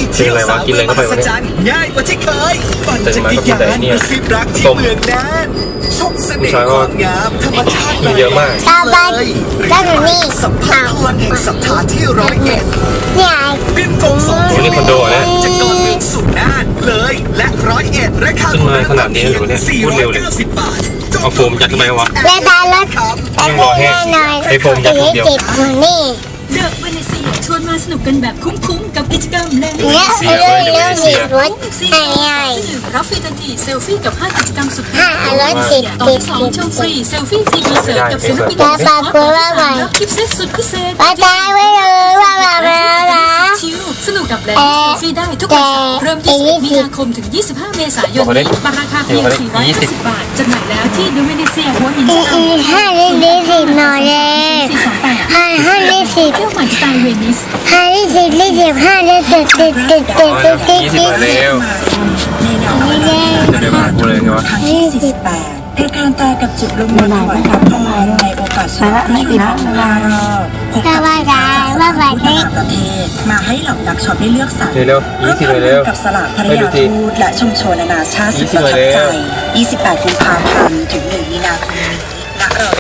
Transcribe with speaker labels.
Speaker 1: เที่ยวสาวเมืองมหัศจรรย์ง่ายกว่าที่เคยปั่นจักรยานกระซิบรักที่เมืองน่านชมเสน่ห์ความงามธรรมชาติแบบเยอะมากเลยสัมผัสพลังแห่งศรัทธาที่101บินตรงส่งถึงคอนโดนะจากดอนเมืองสู่น่านเลยและ101ราคาขึ้นมาขนาดนี้เลยเนี่ยพูดเร็วเลยเอาโฟมยัดทำไมวะ
Speaker 2: และตารถ
Speaker 1: ยังรอแห้งไอโฟมยัดเดียว
Speaker 2: นี่
Speaker 3: เดอะเวเนเซียชวนมาสนุกกันแบบคุ้มๆกับกิจกรรมเล่น
Speaker 2: เนี่ยเรื่องมีรถง่าย
Speaker 3: รับฟรีทันทีเซลฟี่กับ5กิจกรรมสุดพิเศษ
Speaker 2: รถติด
Speaker 3: ตอน2ชมฟรีเซลฟี่ทีคอนเสิร์ตกับศิลปินรับคลิปเซตสุดพิเศษ
Speaker 2: ว่าได้ไว้เลยว่า
Speaker 3: ชิลสนุกกับแลนด์เซลฟี่ได้ทุกวันเสาร์เริ่ม20 มีนาคมถึง25 เมษายนนี้บัตรราคาเพียง450 บาทจำหน่ายแล้วที่เดอะเวเนเซียหัวหิน
Speaker 2: 50หน่อยเลย50
Speaker 3: เที่ยวใหม่สไตล์เวนิส
Speaker 2: 50ได้15ได้ติด
Speaker 1: 20เร็วจะเดี๋ยวมากูเลยไงวะ
Speaker 4: 48รายการตากับจิตลงมาถวายความพลังในโอกาสสำคัญในปีหน้าพบกับต่างประเทศมาให้เหล่านักช็อปได้เลือกสรรร่วมทำบุญกับสลากภริยาทูตและชุมชนนานาชาติสุดประทับใจ28 กุมภาพันธ์ถึง1 มีนาคมนี้ณ